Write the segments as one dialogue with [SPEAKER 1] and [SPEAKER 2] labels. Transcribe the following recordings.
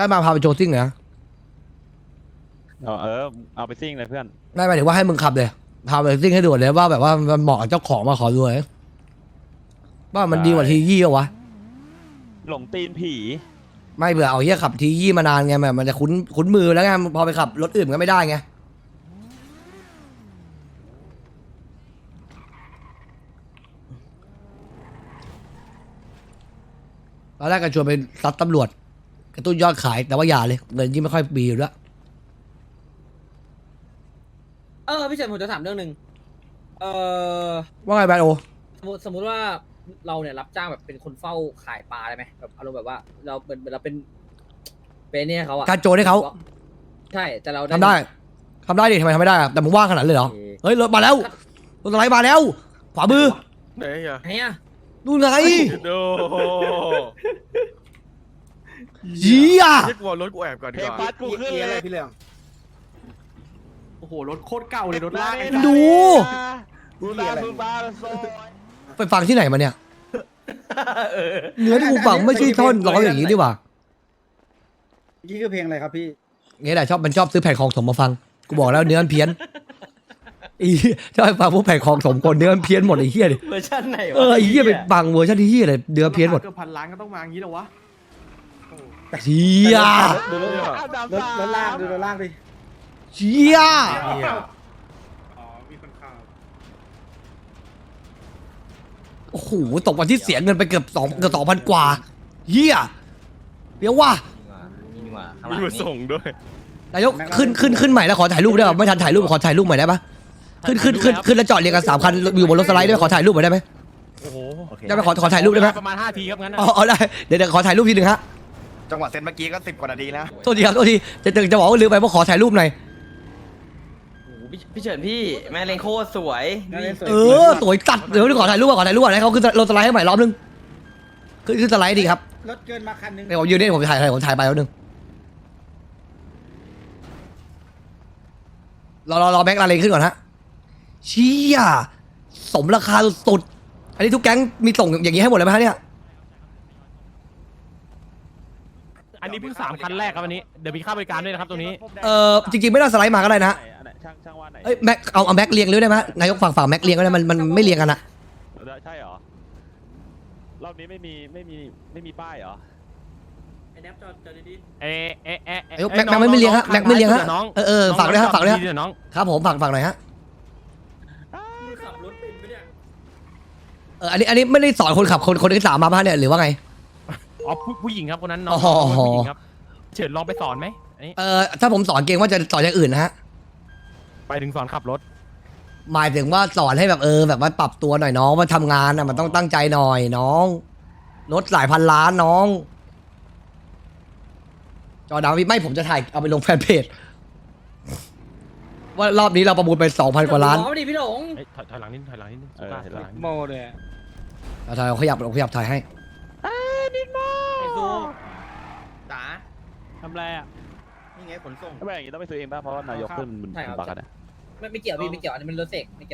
[SPEAKER 1] ได้มาพาไปโชว์ซิ่งเหรอ
[SPEAKER 2] เอาไปซิ่งเลยเพื่อน
[SPEAKER 1] ไม่หมายถึงว่าให้มึงขับเลยพาไปซิ่งให้ดูเลยว่าแบบว่ามันเหมาะกับเจ้าของมาขอดูเลยว่ามันดีกว่าทียี่เหรอวะ
[SPEAKER 2] หลงตีนผี
[SPEAKER 1] ไม่เบื่อเอาเฮียขับทียี่มานานไงแบบมันจะคุ้นมือแล้วไงพอไปขับรถอื่นก็ไม่ได้ไงตอนแรกก็ชวนไปซัดตำรวจกระตุ้นยอดขายแต่ว่าอย่าเลยเงินยิ่งไม่ค่อยมีอยู่แล้ว
[SPEAKER 3] พี่เฉินผมจะถามเรื่องหนึ่ง
[SPEAKER 1] ว่าไงแบนโอ
[SPEAKER 3] สมมติว่าเราเนี่ยรับจ้างแบบเป็นคนเฝ้าขายปลาได้ไหมแบบอารมณ์แบบว่าเราเป็นเราเป็นเนี่ยเขาอะ
[SPEAKER 1] การโจรให้เขา
[SPEAKER 3] ใช่แต่เรา
[SPEAKER 1] ทำได้ดิทำไมทำไม่ได้อะแต่มึงว่างขนาดนั้นเลยเหรอเฮ้ยรถมาแล้วรถสไลด์มาแล้วขวามือ
[SPEAKER 4] ไหนอ่ะ
[SPEAKER 3] ไหนอะ
[SPEAKER 1] นู่นไง
[SPEAKER 4] โด
[SPEAKER 1] เหี้ย
[SPEAKER 4] เรียกว่ารถกูแอบก่อนดี
[SPEAKER 2] เพล
[SPEAKER 4] ก
[SPEAKER 2] ง
[SPEAKER 4] ว่า
[SPEAKER 2] พัดกูขึ้นเลย
[SPEAKER 5] พี่เรื่องโอ้โหรถโคตรเก่าเลยรถลาก
[SPEAKER 1] ดู
[SPEAKER 2] กูตาซูบาโซ
[SPEAKER 1] ไปฟังที่ไหนมาเนี่ยเนื้อที่กูฟังไม่ใช่ท่อนร้องอย่างนี้ดีกว่า
[SPEAKER 5] นี่คือเพลงอะไรครับพี่
[SPEAKER 1] งี้แหละมันชอบซื้อแผ่นของสมมาฟังกูบอกแล้วเนื้อมันเพี้ยนอีชอบฟังพวกแผ่นของสมคนเนื้อมันเพี้ยนหมดไอ้เหี้ยดิ
[SPEAKER 3] เวอร์ชันไหนวะ
[SPEAKER 1] ไอ้เหี้ยไปฟังเวอร์ชันที่เหี้ยเลยเนื้อเพี้ยนหมด
[SPEAKER 5] เกือบพันล้านก็ต้องมาอย่างนี้เหรอวะ
[SPEAKER 1] เชี่ย
[SPEAKER 5] ดูรถลากดูรถลากดิ
[SPEAKER 1] เชี่ยโอ้โหตกวันที่เสียเงินไปเกือบ2,000กว่าเหี้ยเดี๋ยวว่ะ
[SPEAKER 4] มีมาส่งด้วย
[SPEAKER 1] นายกขึ้นใหม่แล้วขอถ่ายรูปได้ป่ะไม่ทันถ่ายรูปขอถ่ายรูปใหม่ได้ป่ะขึ้นแล้วจอดเรียงกัน3 คันอยู่บนรถสไลด์ได้ไหมขอถ่ายรูปหน่อยได้ไหม
[SPEAKER 4] โอ้โห
[SPEAKER 1] ได้ไหมขอถ่ายรูปได้ไหม
[SPEAKER 6] ประมาณ5 ทีครับงั้น
[SPEAKER 1] อ๋อได้เดี๋ยวขอถ่ายรูปทีหนึ่งฮะ
[SPEAKER 7] จังหวะเซตเมื่อกี้ก็10 กว่านาทีแล้ว
[SPEAKER 1] โทษทีครับโทษทีจะบอกว่าลืมไปว่าขอถ่ายรูปหน่อย
[SPEAKER 8] พี่เฉินพี่แม่เลงโคตรสวย
[SPEAKER 1] สวยจัดเดี๋ยวขอถ่ายรูปก่อนให้เขาขึ้นรถสไลด์ให้ใหม่รอบนึงขึ้นสไลด์ดีครับ
[SPEAKER 5] รถเกินมาคันนึง
[SPEAKER 1] เดี๋ยวผมยืนนี่ผมถ่ายไปแล้วนึงรอแบ็คลาเลนขึ้นก่อนฮะเชี่ยสมราคาสุดๆอันนี้ทุกแก๊งมีส่งอย่างนี้ให้หมดเลยไหมฮะเนี่ย
[SPEAKER 6] อันนี้เพิ่ง3 คันแรกครับวันนี้เดี๋ยวมีค่าบริการด้วยนะครับตัวนี้
[SPEAKER 1] จริงๆไม่ต้องสไลด์มาก็ได้นะ
[SPEAKER 2] ช่างว่าไหน
[SPEAKER 1] เอ้ยแม็กเอาแม็กเรียงเลยได้ไหมนายกฝั่งแม็กเรียงก็ได้มันไม่เรียงกันอะ
[SPEAKER 2] ใช่เหรอรอบนี้ไม่มีป้ายเหรอ
[SPEAKER 3] ไอ้แนบจอดี
[SPEAKER 1] นายกแม็กไม่เรียงฮะแม็กไม่เรียงฮะฝากด้วยฮะฝากด้วยฮะ
[SPEAKER 6] น้อง
[SPEAKER 1] ครับผมฝากหน่อยฮะ
[SPEAKER 3] ๆขับรถเป็นปะเนี่ย
[SPEAKER 1] อันนี้ไม่ได้สอนคนขับคนที่3มาป่ะเนี่ยหรือว่าไง
[SPEAKER 6] อ๋อผู้หญิงครับคนนั้นน้อง
[SPEAKER 1] อ๋อ
[SPEAKER 6] ผู้หญิงครับเฉินลองไปสอนไหมอันนี้
[SPEAKER 1] ถ้าผมสอนเก่งว่าจะสอนอย่างอื่นนะฮะ
[SPEAKER 6] ไปถึงสอนขับรถ
[SPEAKER 1] หมายถึงว่าสอนให้แบบแบบว่าปรับตัวหน่อยน้องว่าทำงานอ่ะมันต้องตั้งใจหน่อยน้องรถหลายพันล้านน้องจอดาวไม่ผมจะถ่ายเอาไปลงแฟนเพจว่ารอบนี้เราประมูลไป 2,000 กว่าล้าน
[SPEAKER 3] ล้อดิพี่หลง
[SPEAKER 6] ถอยหลังนิดถอยหลังนิดสุดาถอยหลังนิด
[SPEAKER 5] โมเลย
[SPEAKER 1] เอาถ่ายขยับถ่ายให้
[SPEAKER 3] ไอ้ซู
[SPEAKER 8] จ๋า
[SPEAKER 6] ทำไรอ่ะ
[SPEAKER 8] นี่ไงขนส่ง
[SPEAKER 2] ถ้าไม่อย่างนี้ต้องไปซื้อเองป่ะเพราะว่านายกขึ้นมันบักกันนะ
[SPEAKER 3] ไม่เกี่ยวพี่ไม่เกี่ยวอันนี้มันรถเสกไม่เกี่ยว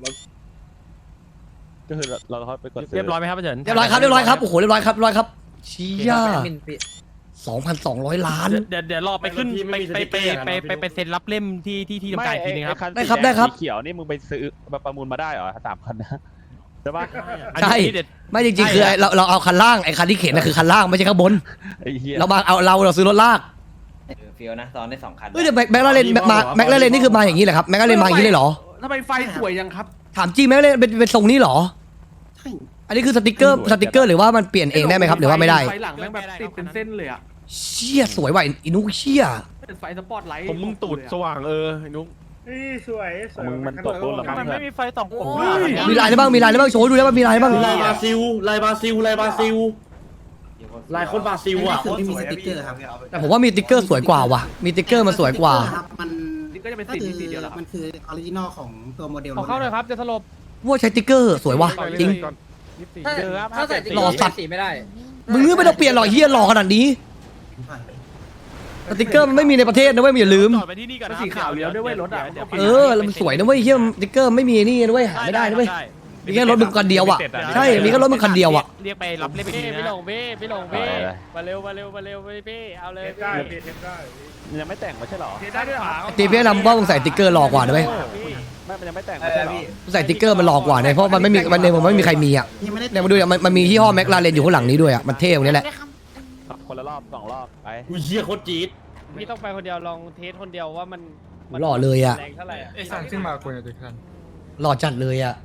[SPEAKER 2] ก็คือเราไปกดซื้
[SPEAKER 6] เรียบร้อยไหมครับพี่เฉิน
[SPEAKER 1] เรียบร้อยครับโอ้โหเรียบร้อยครับเชี่ย
[SPEAKER 3] พี่
[SPEAKER 1] 2,200 ล้าน
[SPEAKER 6] เดี๋ยวรอไปขึ้นไปเซ็นรับเล่มที่ทำการอีกทีนึงครับ
[SPEAKER 1] ได้ครับ
[SPEAKER 2] สีเขียวนี่มึงไปซื้อมาประมูลมาได้เหรอ3 คันนะใช่ปะ
[SPEAKER 1] ใช่ไม่จริงๆคือเราเอาคันล่างไอ้คันที่เข็นน่ะคือคันล่างไม่ใช่ข้างบน
[SPEAKER 2] ไอ้เหี้ย
[SPEAKER 1] เราซื้อรถลาก
[SPEAKER 8] เฟียวนะตอนได้2 คัน
[SPEAKER 1] เฮ้ยเดี๋ยวแม็กลาเรนนี่คือมาอย่างนี้เหรอครับแม็กลาเรนมาอย่างนี้เลยเหรอ
[SPEAKER 5] ทำไมไฟสวยยังครับ
[SPEAKER 1] ถามจริงแม็กลาเรนเป็นทรงนี้เหรอใช่อันนี้คือสติกเกอร์หรือว่ามันเปลี่ยนเองได้ไหมครับหรือว่าไม่ได้
[SPEAKER 5] ไฟหลังแม่งแบบติดเป็นเส้นเลยอ่ะ
[SPEAKER 1] เชี่ยสวยว่ะอินุเชี่ย
[SPEAKER 5] เป็นไฟสปอตไลท์
[SPEAKER 4] ผมมึงตูดสว่างไอ้นุ๊ก
[SPEAKER 5] สวย
[SPEAKER 2] มึงมันตกรุ่นละมั้ง
[SPEAKER 6] มัน
[SPEAKER 2] เพื่อ
[SPEAKER 6] ไม่
[SPEAKER 2] น
[SPEAKER 6] มีไฟ2 ผม
[SPEAKER 1] มีลายอะไรบ้างโชว์ให้ดูได้ว่ามีลายอะไรบ้าง
[SPEAKER 8] ลายบราซิลลายบราซิลลายคนบราซิลอ่ะ
[SPEAKER 7] ไม่มีสติ๊กเกอร์ครับ
[SPEAKER 1] แต่ผมว่ามีสติ๊กเกอร์สวยกว่าว่ะมีสติ๊กเกอร์มันสวยกว่า
[SPEAKER 5] มันนี่ก็จะเป็นสีเดียวแล้วครับ
[SPEAKER 9] มันคือออริจินอลของตัวโมเดล
[SPEAKER 6] ขอเข้าเลยครับจะสลบ
[SPEAKER 1] ว่าใช้สติ๊กเกอร์สวยว่ะจริง
[SPEAKER 3] ถ้าใส่
[SPEAKER 1] หล่อสัตว์
[SPEAKER 3] สีไม่ได้
[SPEAKER 1] มึงไม่ต้องเปลี่ยนหรอกเฮียหล่อขนาดนี้สติ๊กเกอร์มันไม่มีในประเทศนะเว้ยอย่าลืม
[SPEAKER 6] จอดไปที่นี่ก่อนนะ
[SPEAKER 5] สีขาวเลี้ยวด้วยเว้ยรถอ่ะ
[SPEAKER 1] แล้วมันสวยนะเว้ยเฮียสติ๊กเกอร์ไม่มีนี่นะเว้ยหาไม่ได้นะเว้ย
[SPEAKER 6] เ
[SPEAKER 1] มีแค่รถมึงคันเดียวอ่ะใช่มีแค่รถมึงคันเดียวอ่ะ
[SPEAKER 6] เรียกไปรับเล่มไปที
[SPEAKER 2] พี่
[SPEAKER 6] นะ
[SPEAKER 2] หลงพี่หลงพี่มาเร็วพี่เอาเลยพี่ยังไม่แต่งไม่ใช่หรอ
[SPEAKER 5] ได้ด้วยเหรอ
[SPEAKER 1] ตีเพี่นำว่ามึงใส่ติ๊กเกอร์หลอกกว่าได้ไหม
[SPEAKER 2] ไม่มันยังไม่แต่งไม่ใช่หรอ
[SPEAKER 1] มึงใส่ติ๊กเกอร์มันหลอกกว่าเนี่ยเพราะมันไม่มีมันในผมไม่มีใครมีอ่ะ
[SPEAKER 9] ยังไม่ได้
[SPEAKER 1] เนี่ยมาดูอ่ะมันมียี่ห้อแม็กลาเรนอยู่ข้างหลังนี้ด้วยอ่ะมันเท่ตรงนี้แหละ
[SPEAKER 2] คนละรอบ2 รอบไป
[SPEAKER 8] อุ้ยเฮียโคตรจี๊ด
[SPEAKER 2] พี่ต้องไปคนเดียวลองเทสคนเดียวว่ามัน
[SPEAKER 1] หล่อเลยอ่ะ
[SPEAKER 2] แรงเท่าไหร่อ่ะ
[SPEAKER 6] ไอ้สั่งขึ้นมาคุยกับทุกท่าน
[SPEAKER 1] หล่อจัดเลยอ่ะ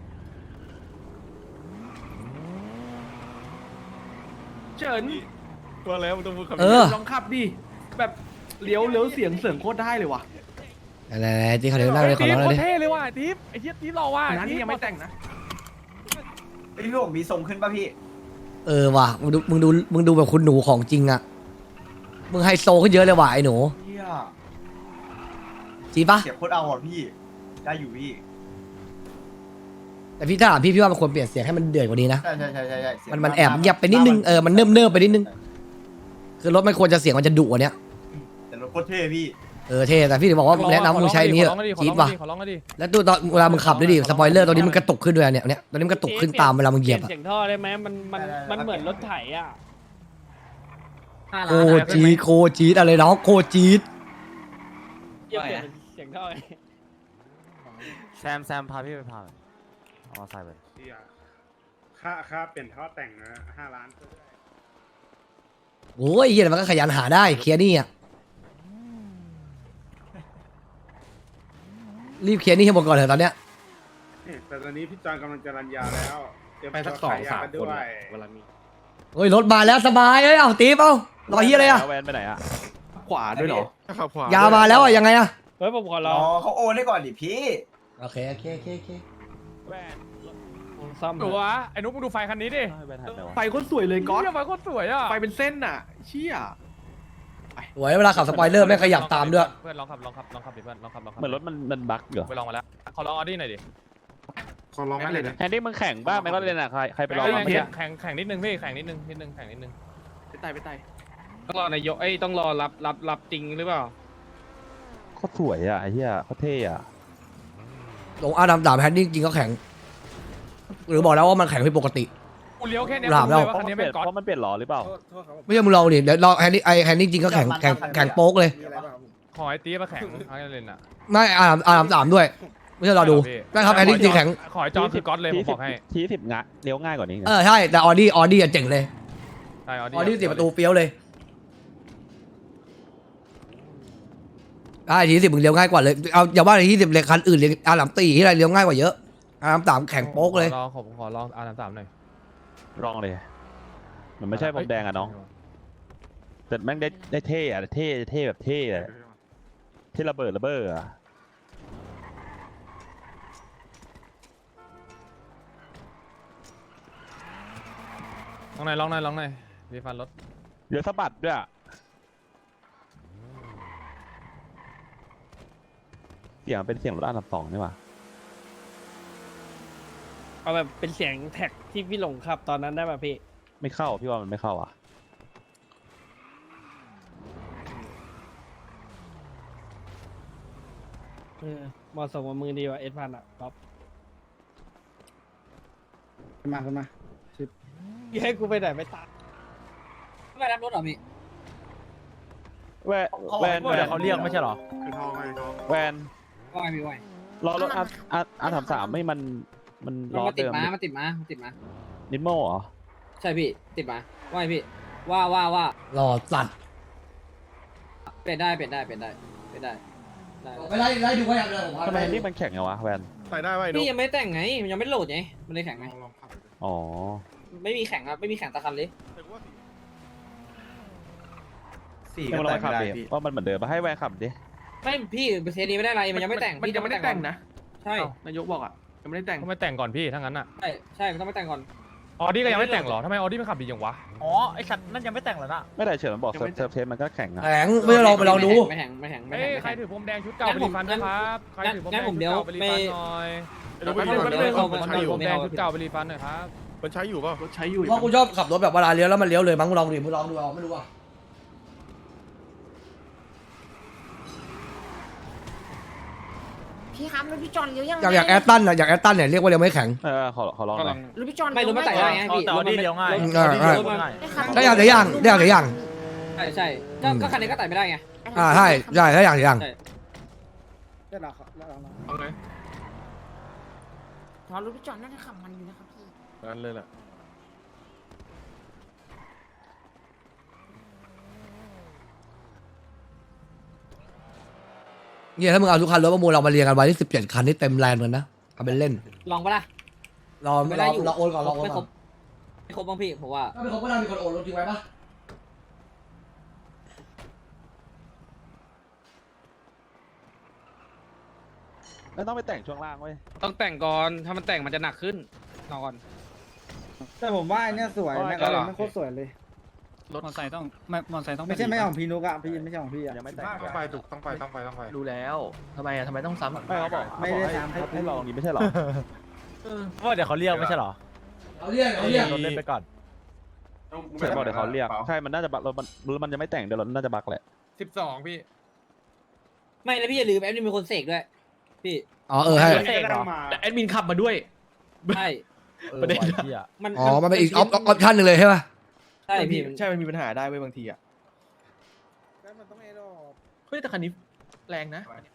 [SPEAKER 5] เฉิน
[SPEAKER 4] ว่าแล้วมันต้องพูดคำ
[SPEAKER 1] เอ
[SPEAKER 4] นี้
[SPEAKER 1] อ
[SPEAKER 5] ลองขับดิแบบเลี้ยวเสียงโคตรได้เลยว่ะ
[SPEAKER 1] อะไรๆที่เขาเรียกนั่งเลยขอร้องเลยดิ
[SPEAKER 6] เท่เลยว่ะทิปไอ้เหี้ยทิปรอว่ะ
[SPEAKER 5] นะนี่ยังไม่แต่งนะ
[SPEAKER 7] พี่ผมมีทรงขึ้นป่ะพี่
[SPEAKER 1] เออว่ะมึงดูแบบคุณหนูของจริงอ่ะมึงไฮโซขึ้นเยอะเลยว่ะไอ้หนู
[SPEAKER 7] เฮีย
[SPEAKER 1] จริงปะ
[SPEAKER 7] เสียบโคตรเอาอ่ะพี่ ได้อยู่พี่
[SPEAKER 1] แต่พี่ถ้าถามพี่ว่ามันควรเปลี่ยนเสียงให้มันเดือดกว่านี้นะ
[SPEAKER 7] ใช่เสียง
[SPEAKER 1] มันแอบเงียบไปนิดนึงมันเนิบๆไปนิดนึงคือรถมันควรจะเสียงมันจะดุกว่าเนี้ย
[SPEAKER 7] แต่รถโคตรเท่พี่
[SPEAKER 1] เท่แต่พี่ถึงบอกว่าแนะนำมึงใช้อันนี้เถอะจี๊ดว่ะ
[SPEAKER 6] ขอร้องก็ดิ
[SPEAKER 1] แล้วตัวตอนเวลามึงขับด้วยดิสปอยเลอร์ตัวนี้มันกระตุกขึ้นด้วยเนี่ยตัวนี้มันกระตุกขึ้นตามเวลามึงเหยียบอะ
[SPEAKER 2] เสียงท่อได้ไหมมันเหมือนรถไถอ่ะ
[SPEAKER 3] 5
[SPEAKER 1] โค
[SPEAKER 3] ล้าน
[SPEAKER 1] จีดอะไรเนาะโคจีด
[SPEAKER 2] เปลี่ยนเสียงท่อไง
[SPEAKER 6] แซมพาพี่ไปพาเอาใส่ไป
[SPEAKER 10] ค่าเปลี่ยนท่อแต่งนะ5 ล้าน
[SPEAKER 1] โอ้ยเฮียมันก็ขยันหาได้เคลียร์หนี่อ่ะรีบเคลียร์หนี่ให้หมดก่อนเถอะตอนเนี้ย
[SPEAKER 10] แต่ตอนนี้พี่จอนกำลังจะรันยาแล้วเตรียม
[SPEAKER 8] ไปสัก
[SPEAKER 10] ตัว
[SPEAKER 8] 2-3
[SPEAKER 10] ขายยากัน
[SPEAKER 8] คน
[SPEAKER 10] ด้วย
[SPEAKER 8] เวลามี
[SPEAKER 1] โอ้ยรถมาแล้วสบายเอ้ยเอาตีเปล่ารอเฮียอะไรอ่ะ
[SPEAKER 2] แวนไปไหนอ่ะ
[SPEAKER 5] ขวาด้วยเหรอ
[SPEAKER 4] ขับขวาย
[SPEAKER 1] ามาแล้วอ่ะยังไงอ่ะ
[SPEAKER 2] เฮ้ยผมขอล
[SPEAKER 7] อ๋
[SPEAKER 2] อ
[SPEAKER 7] อง เขาโอนให้ก่อนดิพี่
[SPEAKER 1] โอเค
[SPEAKER 2] แวนซ่อม
[SPEAKER 6] ตัวไอ้นุ๊กมึงดูไฟคันนี้ดิ
[SPEAKER 2] แวนหันไปวะ
[SPEAKER 5] ไฟโคตรสวยเลยก๊อต
[SPEAKER 6] เหี้ยไฟโคตรสวยอ่ะ
[SPEAKER 5] ไฟเป็นเส้นอ่ะ เชี่ย
[SPEAKER 1] สวยเวลาขับสปอยเลอร์ไม่ขยับตามด้วย
[SPEAKER 6] เพื่อนลองขับดิเพื่อนลองขับ
[SPEAKER 2] เหมือนรถมันบั๊กเหรอ
[SPEAKER 6] ไปลองมาแล้วขอลองออดี้หน่อยดิ
[SPEAKER 10] ขอลองเลยนะ
[SPEAKER 2] แฮนดี้มึงแข่งบ้างไหมก็เล่นอ่ะใครไปลองบ้างไหม
[SPEAKER 6] แข่งนิดนึงพี่แข่งนิดนึงแข่งนิดนึง
[SPEAKER 5] ไปไต่
[SPEAKER 6] ต้องรอนายกต้องรอรับจริงหรือเปล่า
[SPEAKER 2] โคตรสวยอ่ะไอ้เหี้ยโคตรเท่อ่ะ
[SPEAKER 1] ลงอาดัมดาบแฮนดิ้งจริงก็แข็ง หรือบอกแล้วว่ามันแข็งผิดปกติ
[SPEAKER 6] กูเลี้ยวแค่เนี้ย
[SPEAKER 1] หลาบแล้ว
[SPEAKER 6] ว่าคันนี้เป็นก๊อต
[SPEAKER 2] เพราะมันเปลี่ยนหล่อหรือเปล่า
[SPEAKER 1] ไม่ใช่มึงลองดิเดี๋ยวลองแฮนดิ้งจริงก็แข็งโป๊กเลย
[SPEAKER 6] ขอไอ้ตีมาแข่งทั้งเล่นอ่ะ
[SPEAKER 1] ไม่อาดัมดาบด้วย ไม่ใช่รอดูได้ครับแฮนดิ้งจริงแข็ง
[SPEAKER 6] ขอไอ้จอคือก๊อตเลยผมบอกให้
[SPEAKER 2] ที10 งะเลี้ยวง่ายกว่านี้นะ
[SPEAKER 1] ใช่แต่ออดี้เจ๋งเลย
[SPEAKER 6] ใช่
[SPEAKER 1] ออดี้10 ประตูเฟี้ยวเลยที10มึงเลี้ยวง่ายกว่าเลยเอาอย่าว่าที10เลยคันอื่นเลยอาดัมตีที่ไรเลี้ยวง่ายกว่าเยอะอาดัมดาบแข็งโป๊กเลย
[SPEAKER 6] ผมขอลองR33หน่อย
[SPEAKER 2] ลองเลยมันไม่ใช่ผมแดงอ่ะน้องแต่แม่งได้เท่อะเท่แบบเท่อะเท่ระเบิดอ่ะ
[SPEAKER 6] ลองหน่อยรีฟันรถ
[SPEAKER 2] เดี๋ยวสะบัดด้วยอะเสียงเป็นเสียงรถอันดับ2นี่หว่า
[SPEAKER 11] เอาแบบเป็นเสียงแท็กที่พี่หลงขับตอนนั้นได้ป่ะพี่
[SPEAKER 2] ไม่เข้าพี่ว่ามันไม่เข้าอ่ะ
[SPEAKER 11] เหมาะสมกับมือดีกว่าS1000อ่ะป๊อป
[SPEAKER 9] ขึ้นมา
[SPEAKER 11] ให้กูไปไหนไปตาม
[SPEAKER 3] ไม่รับรถเหรอพี่
[SPEAKER 2] แวน
[SPEAKER 6] เขาเรียกไม่ใช่หรอ
[SPEAKER 10] คือท่อให้ท่อ
[SPEAKER 2] แวน
[SPEAKER 3] ว่าไงพี่ว่าไง
[SPEAKER 2] รอรถR33ไม่มันล้อ
[SPEAKER 3] มันติด
[SPEAKER 2] เดิม
[SPEAKER 3] มาติดมา
[SPEAKER 2] นิดโม่เหรอ
[SPEAKER 3] ใช่พี่ติดมาว่าไงพี่ว่า
[SPEAKER 1] หล่อสัตว์
[SPEAKER 3] เปลี่ยนได้ ได้
[SPEAKER 1] ไม่ไล่ดูไว้อย่างเดียวผม
[SPEAKER 2] ทำไมนี่มันแข็งไงวะแวน
[SPEAKER 4] ใส่ได้ไหมนุ๊
[SPEAKER 3] พี่
[SPEAKER 4] ก
[SPEAKER 3] ยังไม่แต่งไงมันยังไม่โหลดไงมันเลยแข็งไง
[SPEAKER 10] ลองขับ
[SPEAKER 2] อ๋อ
[SPEAKER 3] ไม่มีแข่งครับไม่มีแข่งตะคันเลย
[SPEAKER 7] สี่
[SPEAKER 2] ให้
[SPEAKER 7] ก็
[SPEAKER 2] มันลอ
[SPEAKER 7] แต่
[SPEAKER 2] ง
[SPEAKER 7] ง
[SPEAKER 2] ขับ
[SPEAKER 7] ไม่ได้
[SPEAKER 2] ดิ
[SPEAKER 7] พี่
[SPEAKER 2] ว่ามันเหมือนเดิมปะให้แวนขับดิ
[SPEAKER 3] ไม่พี่เทสนี้ไม่ได้อะไรมันยังไม่แต่ง
[SPEAKER 5] มันยังไม่ได้แต่งนะ
[SPEAKER 3] ใช่
[SPEAKER 5] นายกบอกอ่ะยังไม่ได้แต่ง
[SPEAKER 6] ทำไมแต่งก่อนพี่ทั้งนั้นอ่ะ
[SPEAKER 3] ใช่มันต้องไม่แต่งก่อน
[SPEAKER 6] ออดี้ก็ยังไม่แต่งหรอทำไมออดี้มันขับดีอย่างวะ
[SPEAKER 11] อ๋อไอสัตว์นั่นยังไม่แต่งเหรอนะ
[SPEAKER 2] ไม่ได้เฉินมันบอกเซิร์ฟเทสมันก็แข็งอะ
[SPEAKER 1] แข็งไม่ต้องลองไปลองดู
[SPEAKER 3] ไม่แข่ง
[SPEAKER 6] เอ้ยใครถือพรมแดงชุดเก่าไปรีฟันนะครับใครถือพรมแดงชุดเก่าไปรีฟันหน่อย
[SPEAKER 4] นุ๊กไป
[SPEAKER 6] ผม
[SPEAKER 4] ดู
[SPEAKER 6] ถือ
[SPEAKER 4] มัน
[SPEAKER 6] พร
[SPEAKER 4] ใช้อยู่
[SPEAKER 6] มแดงชุดเก่าไปรีฟันหน่อยครับ
[SPEAKER 4] มันใช้อยู่เปล่าร
[SPEAKER 5] ถใช้อยู่
[SPEAKER 1] เพราะกูชอบขับรถแบบเวลาเลี้ยวแล้วมันเลี้ยวเลยมั้งมึงลองดิมึงลองดูเอาไม่รู้อ่ะ
[SPEAKER 9] พี่ครับรถพี่จอนเลี้ยวยัง
[SPEAKER 1] อย่างแอตตันอะอย่างแอตตันเนี่ยเรียกว่าเลี้ยวไม่แข็ง
[SPEAKER 2] ขอลองหน่อย
[SPEAKER 9] รถพี่จอน
[SPEAKER 3] ไม่รู้มันไต่ได้ไงพี่
[SPEAKER 6] แต่ว่านี่เลี้ยวง่าย
[SPEAKER 1] ได้อย่างเดียวอย่างได้อย่างเดียวอย่าง
[SPEAKER 3] ใช่ก็คันนี้ก็ไต่ไม่ได้ไง
[SPEAKER 1] ใช่ใช่ได้อย่างเดียวอย่าง
[SPEAKER 10] ได้หรอครับได้หรอ
[SPEAKER 4] เอาไง
[SPEAKER 9] รถพี่จอนน่าจะขับมันอยู่นะครับพี่
[SPEAKER 4] นั่นเลยแหละ
[SPEAKER 1] เนี่ยถ้ามึงเอาทุกคันรถประมูลเรามาเรียงกันไว้ที่17 คันนี่เต็มแลนด์เหมือนนะเอาเป็นเล่น
[SPEAKER 3] ลองปะล่ะ
[SPEAKER 1] รอ
[SPEAKER 3] ไม่ได้อยู่
[SPEAKER 1] รอโอนก่อนรอโอน
[SPEAKER 3] ไม่คร
[SPEAKER 1] ก่อบ น
[SPEAKER 3] ไม่ครบบ้างพี่ผมว่า
[SPEAKER 1] ถ้าไม่ครบก็น่ามีคนโอนรถทิ้งไว้ปะ
[SPEAKER 2] ไม่ต้องไปแต่งช่วงล่างเว้ย
[SPEAKER 11] ต้องแต่งก่อน ถ้ามันแต่งมันจะหนักขึ้นนอน
[SPEAKER 10] แต่ผมว่าไอ้เนี่ยสวยแม็กอะไรไม่โคตรสวยเลย
[SPEAKER 6] รถมอเตอร์ไซค์ต้องมอเตอร์ไซค์ต้อง
[SPEAKER 10] ไม่ใช่ไม่ของพี่นุกอะพี่ไม่ใช่ของพี่อะ
[SPEAKER 2] ยังไม่แต่ง
[SPEAKER 10] ต้องไปถูกต้องไป
[SPEAKER 6] รู้แล้วทำไมต้องซ้ำ
[SPEAKER 2] ไม่เขาบอก
[SPEAKER 10] ไม่ได้ตามครับ
[SPEAKER 2] ให้ลองนี้ไม่ใช่หรอ
[SPEAKER 6] เพราะเดี๋ยวเขาเรียกไม่ใช่หรอ
[SPEAKER 1] เอาเรียก
[SPEAKER 6] รถเล่นไปก่อน
[SPEAKER 2] ใช่บอกเดี๋ยวเขาเรียกใช่มันน่าจะบักรถมันยังไม่แต่งเดี๋ยวรถน่าจะบักแหละ
[SPEAKER 4] 12พี่
[SPEAKER 3] ไม่แล้วพี่อย่าลืมแอดมินเป็นคนเสกด้วยพี่
[SPEAKER 1] อ๋อให้
[SPEAKER 6] เสกเหรอแต่แอดมินขับมาด้วย
[SPEAKER 3] ใช่
[SPEAKER 6] ประเด็น
[SPEAKER 3] มัน
[SPEAKER 1] อ๋อมันเป็นอีกออปชั่นหนึ่งเลยใช่ปะ
[SPEAKER 3] ใช่พี่
[SPEAKER 6] ใช่มันมีปัญหาได้เว้ยบางทีอ่ะ
[SPEAKER 10] มันต้องไอ้ดอก
[SPEAKER 6] เฮ้ยแต่คันนี้แรงนะ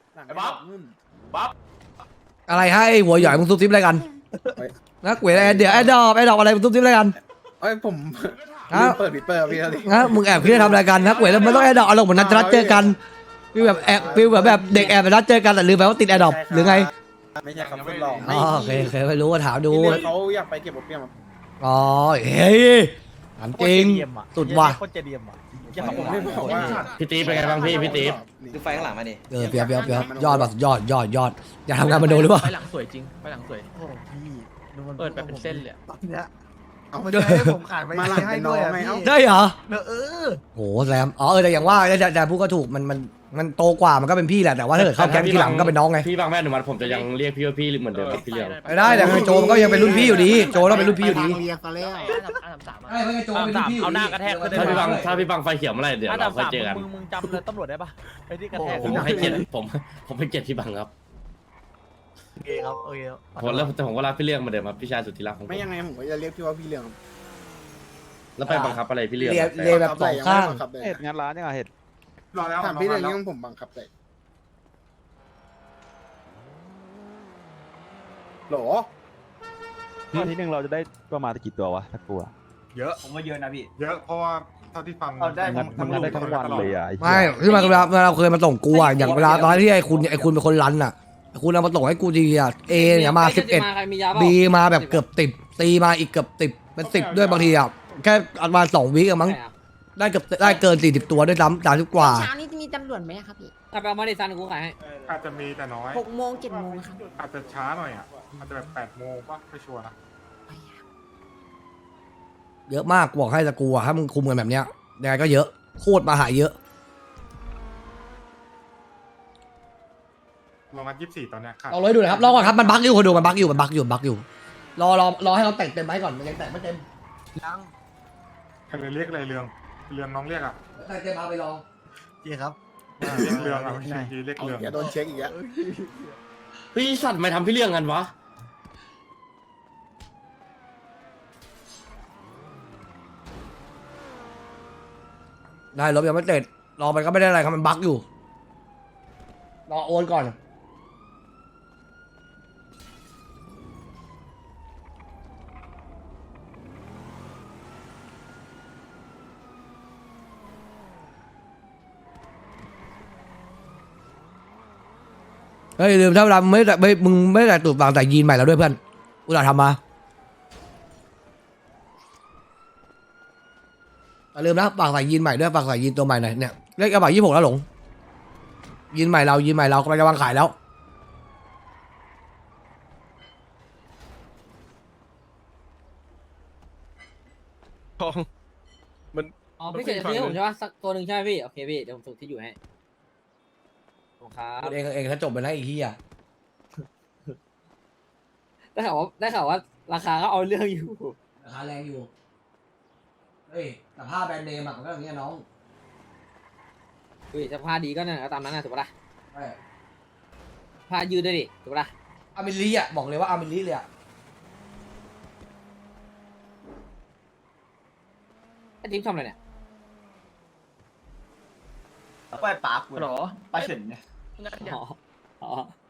[SPEAKER 1] อะไรให้หัวหย่อยมึงซุบซิบอะไรกันนะเวเดี๋ยวไอ้ดอกอะไรมึงซุบซิบอะไรกัน
[SPEAKER 10] เอ้ยผม
[SPEAKER 1] ฮะ
[SPEAKER 10] เปิดพี่อะไร
[SPEAKER 1] นะมึงแอบคิดจะทำอะไรกันนะเวแล้วมันต้องไอ้ดอกอารมณ์เหมือนนัดเจอกันฟิลแบบแอบฟิลแบบเด็กแอบไปนัดเจอกันแต่ลืมไปว่าติดไอ้ดอกหรือไง
[SPEAKER 10] ไม่ใช่ครับคุณหลอก
[SPEAKER 1] อ๋อโอเคไม่รู้ว่าถามดู
[SPEAKER 10] เขาอยากไปเก็บเปี้ยม
[SPEAKER 1] อ๋อเฮ้ยถามจริงสุดว่ะ
[SPEAKER 6] โคตรเจดียมอ่ะ
[SPEAKER 10] ผมไม่บอกว่า
[SPEAKER 8] พี่ตีเป็นไงบ้างพี่ตี
[SPEAKER 7] ดูไฟข้างหลังมาดิ
[SPEAKER 1] เปียบยอดแบบยอดอยากทำงานมาดูหรือเปล่า
[SPEAKER 6] ไปหลังสวยจริงไปหลังสวยเปิดแบบเป็นเส้นเลย
[SPEAKER 10] เอาไม่ได้ผมขายไปมาหลังให้ด้วยไหมเอ้า
[SPEAKER 1] ได้เหรอโหแซมอ๋อแต่อย่างว่าแต่พูดก็ถูกมันโตกว่ามันก็เป็นพี่แหละแต่ว่าถ้าเกิดเข้าแก๊งทีหลังก็เป็นน้องไง
[SPEAKER 8] พี่บางแม่หนูมันผมจะยังเรียกพี่ว่าพี่เหมือนเดิมครับพี่เลี้ยง
[SPEAKER 1] ไม่ได้แต่โจมันก็ยังเป็นรุ่นพี่อยู่ดีโจต้องเป็นรุ่นพี่อยู่ดี
[SPEAKER 9] เรียกกันแล้ว
[SPEAKER 1] ใช่ไม่โจเป็นรุ่นพี่อยู่
[SPEAKER 6] เอาหน้ากระแทก
[SPEAKER 8] ถ้าพี่บางไฟเขียวเมื่อไหร่เดี๋ยวเราค่อยเจอกัน
[SPEAKER 6] มึงจำเลยตำรวจได้ปะไอ้ที่กระแทก
[SPEAKER 8] ผมให้เกียรติผมให้เกียรติพี่บางครับ
[SPEAKER 6] โอเคครับโอเค
[SPEAKER 8] ผมแล้วแต่ผมก็รักพี่เลี้ยงเหมือนเดิมครับพี่ชายสุดที่รักของผม
[SPEAKER 10] ไม่ยังไงผมก็จะเรียกพี่ว่าพี่เลี้ยง
[SPEAKER 8] แล้วไปบังคับอะไรพี่เลี้ยง
[SPEAKER 1] เรียแบบสองข้าง
[SPEAKER 2] เห็ดงานร้านยังไงเห็ด
[SPEAKER 10] ถามพี่เลี้ยงยังผมบังคับเลยหรอ
[SPEAKER 2] อาทิตย์หนึงเราจะได้ประมาณกี่ตัววะถ้ากลัว
[SPEAKER 7] เยอะผมว่าเยอะนะพี่
[SPEAKER 10] เยอะเพราะว่าเท่าที่ฟัง
[SPEAKER 7] เอาได้
[SPEAKER 2] มันได้ทั้งวันเลยอ่ะ
[SPEAKER 1] ไม่ที่มาเราเคยมาส่งกูอ่ะอย่างเวลาตอนที่ไอ้คุณเป็นคนรันอ่ะคุณเอามาส่งให้กูดีอ่ะเอเนี่ยมา11
[SPEAKER 3] ใครมียาเปล่า
[SPEAKER 1] บีมาแบบเกือบ10ตีมาอีกเกือบ10เป็น10ด้วยบางทีอ่ะแค่อันมา2 วิกมั้ง
[SPEAKER 3] ใช่อะ
[SPEAKER 1] ได้เกือบได้เกิน40ตัวด้วยซ้ำ30กว่า
[SPEAKER 9] เช้านี้จะมีตำรวจไหมครับพี่
[SPEAKER 3] ถ้าไปเอามาดิซันกูขายให้
[SPEAKER 10] อาจจะมีแต่น้อย
[SPEAKER 9] 6 โมง 7 โมงครับ
[SPEAKER 10] อาจจะช้าหน่อยอ่ะอาจจะแบบ8 โมงป่ะไม่ชัวร์นะ
[SPEAKER 1] เยอะมากบอกให้ตะกูอ่ะถ้ามึงคุมกันแบบเนี้ยยังไงก็เยอะโคตรมาหาเยอะ
[SPEAKER 10] ลองนัด24ตอนเนี้ยค่ะ
[SPEAKER 1] เอาเลยดูนะครับรอก่อนครับมันบั๊กอยู่คนดูมันบั๊กอยู่รอให้เราแต่งเต็มไหมก่อนมันยังแต่งไม่เต็ม
[SPEAKER 10] ใครเรียกอะไรเรืองน้องเรียกอ่ะ
[SPEAKER 1] แต่งเต็มเอาไปลอง
[SPEAKER 10] เรียกเรืองอ่ะไม่ใช่เรียกเรืองโดนเช็คอีกแล้ว
[SPEAKER 8] พี่สัตว์ไม่ทำพี่เลี้ยงกันวะ
[SPEAKER 1] ได้รถยังไม่เสร็จรอมันก็ไม่ได้อะไรครับมันบั๊กอยู่รอโอนก่อนเฮ้ยลืมถ้าเวลามึงไม่ได้ตูดวางแต่ยีนใหม่แล้วด้วยเพื่อนอุตส่าห์ทำมาอย่าลืมนะฝากใส่ยีนใหม่ด้วยฝากใส่ยีนตัวใหม่หน่อยเนี่ยเลขกระบะ26แล้วหลงยีนใหม่เรากำลังจะวางขายแล้ว
[SPEAKER 3] อ๋อพี่เฉยจะซื้อให้ผมใช่ปะสักตัวหนึ่งใช่ไหมพี่โอเคพี่เดี๋ยวผมส่งที่อยู่ให้ขอบคุณครับ
[SPEAKER 1] เองถ้าจบไปแล้วไอ้เหี้ย
[SPEAKER 3] ได้ข่าวว่าราคาก็เอาเรื่องอยู่
[SPEAKER 1] ราคาแรงอยู่เฮ้ยแต่ผ้าแบรนด์เนมอะมันก็อย่างเงี้ยน้อง
[SPEAKER 3] อุ้ยจะพาดีก็นั่นก็ตามนั้นนะถูกปะล่ะ
[SPEAKER 1] ใช่
[SPEAKER 3] ผ้ายืดด้วยดิถูกปะล่ะ
[SPEAKER 1] อามิลีอ่ะบอกเลยว่าอามิลีเลยอ่ะ
[SPEAKER 3] ไอ้ทิพย์ทำอะไรเนี่ย
[SPEAKER 7] ไปปากกู
[SPEAKER 5] หรอ
[SPEAKER 7] ไปเฉินเนี่ย
[SPEAKER 3] อ๋ออ๋อ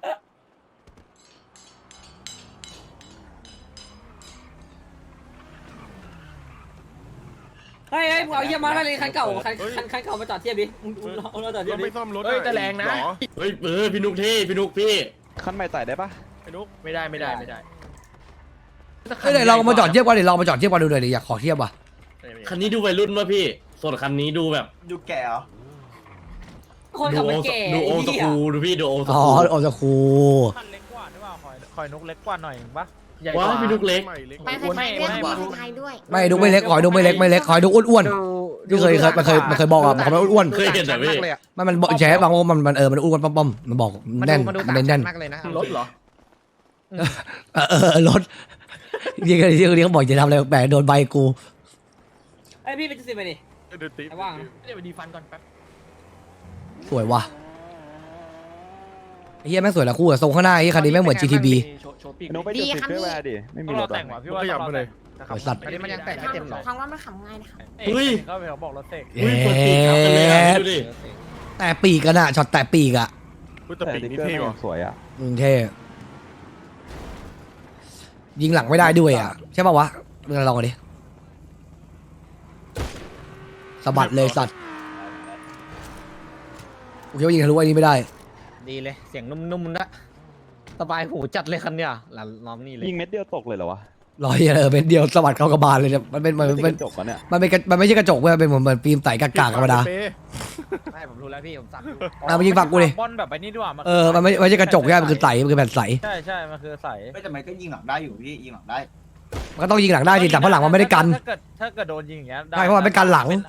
[SPEAKER 3] เฮ้ยมึงเอาเยี่ยมมาให้เลยคันเก่าคันเก่ามาจอดเทียบดิมึงเราจอดเทีย
[SPEAKER 4] เรา
[SPEAKER 3] บดิ
[SPEAKER 4] ไม่ซ่อมรถ
[SPEAKER 5] เฮ้ยแต่แรงนะ
[SPEAKER 4] เหรอ
[SPEAKER 8] เฮ้ยพี่นุกพี่นุกพี่
[SPEAKER 2] ขั้นใหม่ไต่ได้ปะ
[SPEAKER 4] ไอ้นุ๊ก
[SPEAKER 5] ไม่ได้
[SPEAKER 1] เฮ้ยเดี๋ยวเรามาจอดเทียบกันเดี๋ยวเรามาจอดเทียบกันดูหน่อยดิอยากขอเทียบว่ะ
[SPEAKER 8] คันนี้ดูวัยรุ่นป่ะพี่ ส่วนคันนี้ดูแบบ
[SPEAKER 7] ดูแก่เหรอ
[SPEAKER 3] คนขับมันแก่
[SPEAKER 8] ดูโอสคูดูพี่ดูโอส
[SPEAKER 1] อ๋อ
[SPEAKER 8] คู
[SPEAKER 1] โอจะคู
[SPEAKER 6] มันเล็กกว่าหรือเปล่าคอยนกเล็กกว่าหน่อยปะ
[SPEAKER 5] ใหญ่ก
[SPEAKER 8] ว้า
[SPEAKER 5] ว่า
[SPEAKER 8] พี่นุกเล็ก
[SPEAKER 4] ใหม่เล็ก
[SPEAKER 9] ไปไทยด้วยไปไทยด้วย
[SPEAKER 1] ไม่ดูไม่เล็กขอยดูไม่เล็กไม่เล็กขอยดูอ้วนๆที่เคยมันเคยบอกอ่ะมันอ้วน
[SPEAKER 8] เคยเห็นแต่พี่
[SPEAKER 1] มันบอกแฉบางว่ามันมันอ้วนป้อมๆมันบอกแน่นมันแน่น
[SPEAKER 6] มากเลยนะ
[SPEAKER 5] รถเหรอ
[SPEAKER 1] รถยี่กันที่เขาบอกจะทำอะไรแปลกโดนใบกู
[SPEAKER 3] ไอ้พี่เป็นจะสิบไปดิ
[SPEAKER 4] เดี๋ยวติ๊บ
[SPEAKER 3] ไอ้ว่างนะ
[SPEAKER 5] เดี๋ยวไปดีฟันก่อนแป๊บ
[SPEAKER 1] สวยว่ะไอ้เฮียแม่งสวยละคู่อะทรงข้างหน้าไอ้คันนี้แม่งเหมือน GTB
[SPEAKER 5] โชว์ปีก
[SPEAKER 2] ไอ้นุ๊กไปจุดสิบเพื่อแวร์ดิไม่มี
[SPEAKER 6] ต้อง
[SPEAKER 2] ร
[SPEAKER 6] เรา
[SPEAKER 2] ถ
[SPEAKER 6] แต่งว่ะพี่ว่า
[SPEAKER 4] ขยับไปเลย
[SPEAKER 1] สวยสัตว์
[SPEAKER 6] อันนี้มันยังแต่งไม่เต็มหรอ
[SPEAKER 9] ทางว่ามันขำง่ายนะครับ
[SPEAKER 6] เขาไปบอกรถเสก
[SPEAKER 1] เย้
[SPEAKER 8] อุ้ยเปิดปีกครับกันเลยอะดูดิ
[SPEAKER 1] แต่ปีกกันอะช็อตแต่ปีกอะ
[SPEAKER 4] พูดแต่
[SPEAKER 2] แต่
[SPEAKER 4] ปีก
[SPEAKER 2] ติ๊ก
[SPEAKER 4] นี่
[SPEAKER 2] เกอร์
[SPEAKER 4] เท่กว่า
[SPEAKER 2] สวยอ่ะ
[SPEAKER 1] เท่ยิงหลังไม่ได้ด้วยอะใช่ป่าวะมึงลองกันดิสะบัดเลยสัตว์กูคิดว่ายิงทะลุไอ้นี้ไม่ได้
[SPEAKER 6] ดีเลยเสียงนุ่มๆนะสบายหูจัดเลยคันเนี้ยหลังล้อมนี่เลย
[SPEAKER 2] ยิงเม็ดเดียวตกเลยเหรอวะ
[SPEAKER 1] รอยเป็นเดียวสะบัดเข้ากระบาลเลยเนี่ยมันเป็น
[SPEAKER 2] ไม่
[SPEAKER 1] มัน
[SPEAKER 2] ใช่
[SPEAKER 1] เป็น
[SPEAKER 2] กระจกวะเนี่ย
[SPEAKER 1] มันไม่ใช่กระจกเว้ยมันเป็นเหมือนฟิล์มใสกากๆธรรมดา
[SPEAKER 4] เป๊ะ
[SPEAKER 6] ไม่ผมรู้แล้วพี่ผมสั่ง
[SPEAKER 1] เอามายิงฝั่งกูดิ
[SPEAKER 6] บอลแบบไปนี่ด้วย
[SPEAKER 1] มันไม่ใช่กระจกใช่มันคือใสมันคือแผ่นใส
[SPEAKER 6] ใช่มันคือใส
[SPEAKER 7] ไม่แต่มันก็ยิงหลังได้อยู่พี่ยิงหลังได้
[SPEAKER 1] มันก็ต้องยิงหลังได้สิแต่เพราะหลังมันไม่ได้กัน
[SPEAKER 6] ถ้าเกิดโดนยิงอย่างเงี้ย
[SPEAKER 1] ใช่เพราะมันไม่กันหลัง
[SPEAKER 6] เป็น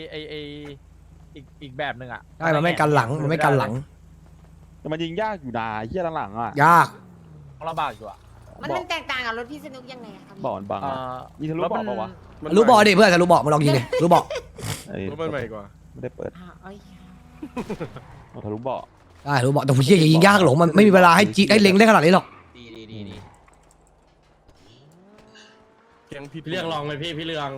[SPEAKER 6] อีกแบบหนึ่งอ่ะ
[SPEAKER 1] ใช่มันไม่กันหลังมันไม่กันหลัง
[SPEAKER 2] แต่มันยิงยากอยู่นะเฮียหลังๆอ่ะ
[SPEAKER 1] ยาก
[SPEAKER 6] ลำบากอยู่อ่ะ
[SPEAKER 9] มันแตกต่างกับรถพี่สนุกยังไงครับ
[SPEAKER 2] บ่อนบังอะยิงทะลุบ่อเปล่าวะ
[SPEAKER 1] รู้บอกดิเพื่อนจะรู้บอกมาลองยิงดิรู้บอก
[SPEAKER 2] เอ้ย
[SPEAKER 4] รถมันใหม่กว่า
[SPEAKER 2] ไม่ได้เปิด
[SPEAKER 9] เอ้ย
[SPEAKER 2] เอาทะลุบ่อ
[SPEAKER 1] ได้รู้บอกแต่ผมเชื่ออย่ายิงยากหรอกมันไม่มีเวลาให้จีให้เล็งได้ขนาดนี้หรอก
[SPEAKER 6] ดี
[SPEAKER 4] แกงพี่
[SPEAKER 8] พี่เรื่องลองเลยพี่เรื่อง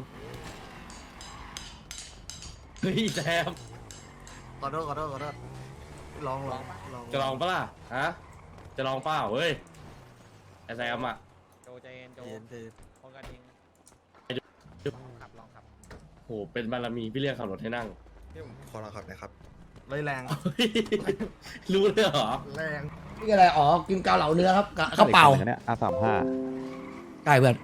[SPEAKER 8] เฮ้ยแซม
[SPEAKER 10] ขอโทษลอง
[SPEAKER 8] จะลองปะล่ะฮะจะลองเปล่าเฮ้ยไอ้แซมอ่ะ
[SPEAKER 6] โจใจเย็นโจป้องกันเองขับลองขับ
[SPEAKER 8] โหเป็นบารมีพี่เรื่องขับรถให้นั่ง
[SPEAKER 10] ขอลองขับหน่อยครับ
[SPEAKER 4] แรง
[SPEAKER 8] รู้เลยเหรอ
[SPEAKER 10] แรง
[SPEAKER 1] นี่อะไรอ๋อกินเกาเหลาเนื้อครับข้าวเปล่า
[SPEAKER 2] เนี่ย R35
[SPEAKER 1] ใช่เพื่อน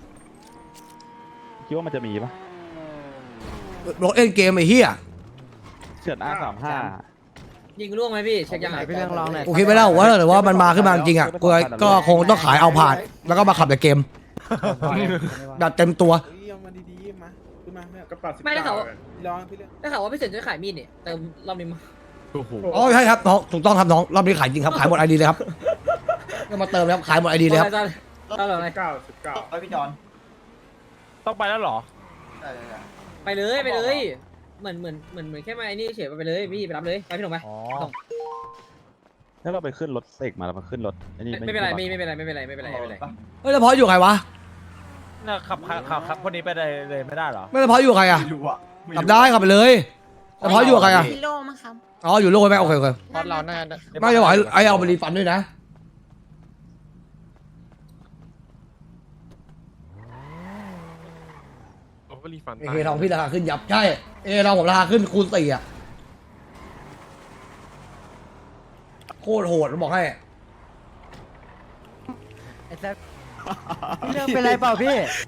[SPEAKER 2] คิดว่ามันจะมีปะ
[SPEAKER 1] รถเล่นเกมไอ้เหี้ย
[SPEAKER 2] เฉือน R35
[SPEAKER 3] ยิงล่วงไหมพี่เช็คยังไง
[SPEAKER 6] พี่เรื่องลองหน่อย
[SPEAKER 1] กูคิดไม่ได้ว่าแต่ว่ามันมาขึ้นมาจริงอ่ะกูก็คงต้องขายเอาผ่านแล้วก็มาขับแต่เกมแบบเต็มตัว
[SPEAKER 10] เอามาดีๆมาขึ้นมาเนี่ยกระเป๋า19
[SPEAKER 3] ไม่ได้เขา
[SPEAKER 10] ลองพี่เรื่อง
[SPEAKER 3] ได้ข่าวว่าพี่เฉินจะขายมีดเนี่ยเติมรอบนี้มา
[SPEAKER 4] โอ้โห
[SPEAKER 1] อ๋อใช่ครับน้องถูกต้องครับน้องรอบนี้ขายจริงครับขายหมดไอดีเลยครับก็มาเติมแล้วขายหมดไอดีเลยครับ
[SPEAKER 3] เอาเลย
[SPEAKER 10] 19
[SPEAKER 7] ไปพี่จอน
[SPEAKER 6] ต้องไปแล้วเหรอ
[SPEAKER 3] ไปเลยเหมือนแค่มาไอ้นี่เฉยไปเลยพี่ไปรับเลยไปพี่หนุ่มไป
[SPEAKER 6] อ๋อ
[SPEAKER 2] แล้วเราไปขึ้นรถเสกมาแล้วมาขึ้นรถไอ้นี่
[SPEAKER 3] ไม่เป็นไร
[SPEAKER 2] มี
[SPEAKER 3] ไม่เป็นไรไม่เป็นไร
[SPEAKER 1] เฮ้ยแล้วพออยู่ใครวะ
[SPEAKER 6] เนี่ยขับคนนี้ไปเลยไม่ได้เหรอ
[SPEAKER 1] ไม่แล้วพออยู่ใครอ่ะ
[SPEAKER 7] ไม่รู้อ่ะ
[SPEAKER 1] ขับได้ขับไปเลยแล้วพออยู่ใครอ่ะ
[SPEAKER 9] พี่โลมั้งครับ
[SPEAKER 1] อ๋ออยู่โลกไหมโอเคโอเค
[SPEAKER 6] เพราะเราน่า
[SPEAKER 1] ไม่จะบอกไอ้เอาไปรีฟันด้วยนะ
[SPEAKER 4] โอ้รีฟัน
[SPEAKER 1] เอทองพี่ราคาขึ้นยับใช่เอทองผมราคาขึ้นคูณ4อ่ะโคตรโหดผมบอกให้
[SPEAKER 6] เรื่องเป็นไรเปล่าพี่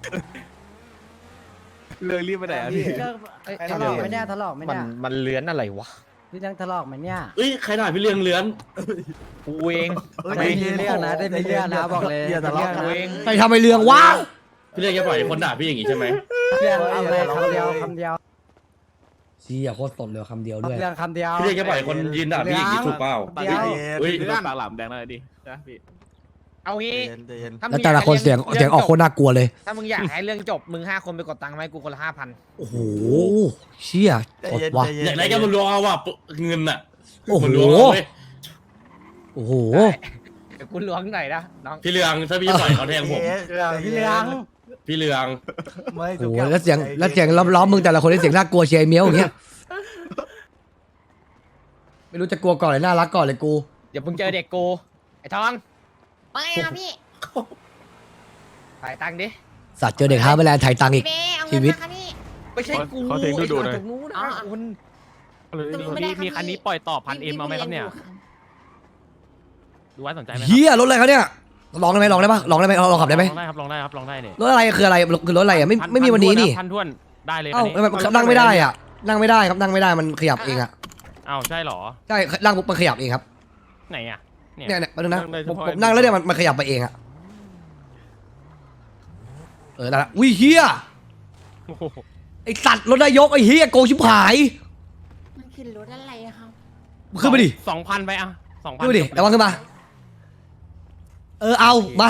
[SPEAKER 4] เรื่องรีบไปไหนอ่ะพี่
[SPEAKER 6] ทะเลาะไหมเนี่ยทะเลาะไหมเนี่ยมันเลื้อนอะไรวะพี่ยังทะเลาะไหมเนี่ย
[SPEAKER 8] เอ้ยใครถ่ายพี่เรื่องเลื้อน
[SPEAKER 6] กูเองได้มีเรื่องนะได้มีเรื่องนะบอกเลยอย่าทะเลาะกันเอง
[SPEAKER 1] ใครทำไอ้เรื่องวะ
[SPEAKER 8] พี่เรื่องจะปล่อยให้คนด่าพี่อย่างงี้ใช่ไหม
[SPEAKER 6] เรื่องเอาเลยคำเดียว
[SPEAKER 1] ชี้อ่ะโคตรสดเลยคำเดียวด้วย
[SPEAKER 6] เรื่องคำเดียว
[SPEAKER 8] พี่เรื่องจะปล่อยคนยืนด่าพี่อย่างงี้ถูกเปล่า
[SPEAKER 6] เดี๋ยว
[SPEAKER 8] เฮ้ย
[SPEAKER 4] ปากหลามแดงอะไรดินะพี่
[SPEAKER 6] เอางี้ถ้า
[SPEAKER 1] แล้ว
[SPEAKER 6] มึง
[SPEAKER 1] แต่ละคนเสียงออกโคตรน่ากลัวเลย
[SPEAKER 6] ถ้ามึงอยากให้เรื่องจบมึง5 คนไปกดตังค์ไหมกูคนละ5,000
[SPEAKER 1] โอ้โหเชี่ยสดว่ะ
[SPEAKER 8] อยากได้กันมันรอว่ะเงินอ่ะ
[SPEAKER 1] โอ้โห
[SPEAKER 8] มันรัวเว้ย
[SPEAKER 1] โอ้โห
[SPEAKER 3] เดี๋ยวคุณล้วงหน่อยนะน้อง
[SPEAKER 8] พี่เหลืองถ้าพี่ปล่อยเขาแทงผม
[SPEAKER 3] พี่เลี้ยง
[SPEAKER 8] พี่เหลือง
[SPEAKER 1] โอ้โหแล้วเสียงล้อมๆมึงแต่ละคนได้เสียงน่ากลัวเชียร์ไอ้เมียวอย่างเงี้ยไม่รู้จะกลัวก่อนเลยน่ารักก่อนเลยกู
[SPEAKER 3] เดี๋ยวมึงเจอเด็กกูไอ้ทอง
[SPEAKER 9] ว่าไงคะพี่
[SPEAKER 3] ถ่ายตังค์ดิ
[SPEAKER 1] สัตว์เจอเด็กฮาร์เบอร์แลนด์ไถ่ตังค์อีก
[SPEAKER 9] เบ้เอา
[SPEAKER 1] ชี
[SPEAKER 9] เงิน
[SPEAKER 1] วิต
[SPEAKER 9] มาคะพี่
[SPEAKER 3] ไม่ใช่กู
[SPEAKER 4] ขอเสียงดูๆหน่อย
[SPEAKER 3] ไอ้ตรงนู้นนะคุณ
[SPEAKER 6] มีคันนี้ปล่อยต่อ1,000Mเอาไหมครับเนี่ยดูไว้สนใจไหมครับ
[SPEAKER 1] เฮียรถอะไรเขาเนี่ยลองได้ไหมลองได้ปะลองได้ไหมลองขับได้ไหม
[SPEAKER 6] ลองได้ครับลองได้ครับลองได้เนี่ย
[SPEAKER 1] รถอะไรคืออะไรคือรถอะไรอ่ะไม่มีวันนี้นี่
[SPEAKER 6] พันท้วนได้เลยคั
[SPEAKER 1] เอ้าน
[SPEAKER 6] นี้
[SPEAKER 1] มันนั่งไม่ได้อ่ะนั่งไม่ได้ครับนั่งไม่ได้มันขยับเองอ่ะ
[SPEAKER 6] อ้าวใช่เหรอ
[SPEAKER 1] ใช่นั่งปุ๊บมันขยับเองครับ
[SPEAKER 6] ไหนอ่ะเนี่ย
[SPEAKER 1] เนี่ยมาดูนะ
[SPEAKER 6] นั่งได้เฉ
[SPEAKER 1] ผม
[SPEAKER 6] พาะ
[SPEAKER 1] ผมนั่งแล้วเนี่ยมันขยับไปเองอ่ะได้ละอุ้ยเฮีย
[SPEAKER 6] โอ้โห
[SPEAKER 1] ไอสัตว์รถนายกไอเฮียโกชิบหาย
[SPEAKER 9] มันคือรถอะไรอะครับ
[SPEAKER 1] ขึ้นไปดิ
[SPEAKER 6] 2,000ไปอ่ะ2,000
[SPEAKER 1] ขึ้นไปดิระวังขึ้นมาเอามา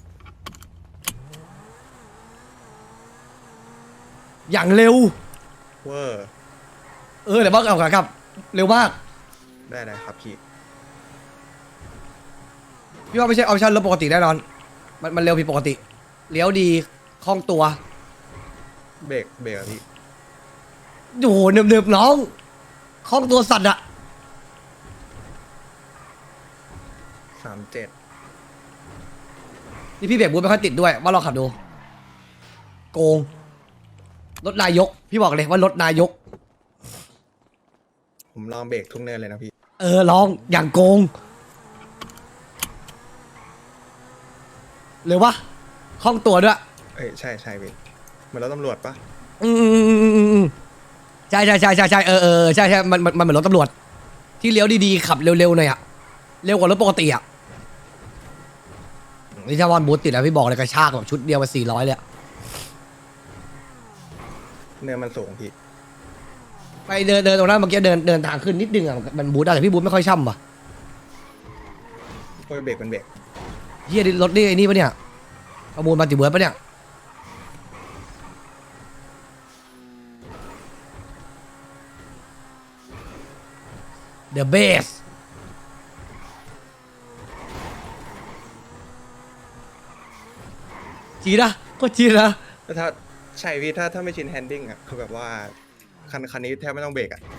[SPEAKER 1] อย่างเร็ว
[SPEAKER 10] เวอร์
[SPEAKER 1] เดี๋ยวบ้าเอาครับเร็วมาก
[SPEAKER 10] ได้ครับพี่
[SPEAKER 1] พี่ว่าไม่ใช่ออปชั่นรถปกติแน่นอนมันเร็วผิดปกติเลี้ยวดีคล่องตัว
[SPEAKER 10] เบรกอะพี่
[SPEAKER 1] โอ้โหเนิบๆน้องคล่องตัวสัตว์อะ
[SPEAKER 10] 37
[SPEAKER 1] นี่พี่เบรกบูทไม่ค่อยติดด้วยว่าลองขับดูโกงรถนายกพี่บอกเลยว่ารถนายก
[SPEAKER 10] ผมลองเบรกทุกเนินเลยนะพี่
[SPEAKER 1] ลองอย่างโกงเร็ววะคล่องตัวด้วย
[SPEAKER 10] เอ้ยใช่พี่เหมือนรถตำรวจปะ
[SPEAKER 1] ใช่ใช่มันเหมือนรถตำรวจที่เลี้ยวดีๆขับเร็วๆหน่อยอะเร็วกว่ารถปกติอะนี่ถ้าวันบูทติดแล้วพี่บอกเลยกระชากแบบชุดเดียวมา400เลยอะ
[SPEAKER 10] เนินมันสูงพี่
[SPEAKER 1] ไปเดินตรงนั้นเมื่อกี้เดินทางขึ้นนิดนึงอะมันบูทได้แต่พี่บูทไม่ค่อยช่ำว่ะ
[SPEAKER 10] โอ้ยเบรกมันเบรก
[SPEAKER 1] เฮียรถนี่ไอ้นี่ปะเนี่ยประมูลมาติเบิร์ดปะเนี่ยเดอะเบสจีนะก็จีนะ
[SPEAKER 10] ถ้าใช่พี่ถ้าไม่ชินแฮนดิ้งอ่ะคือแบบว่าคันนี้แทบไม่ต้องเบรกอ่ะคือ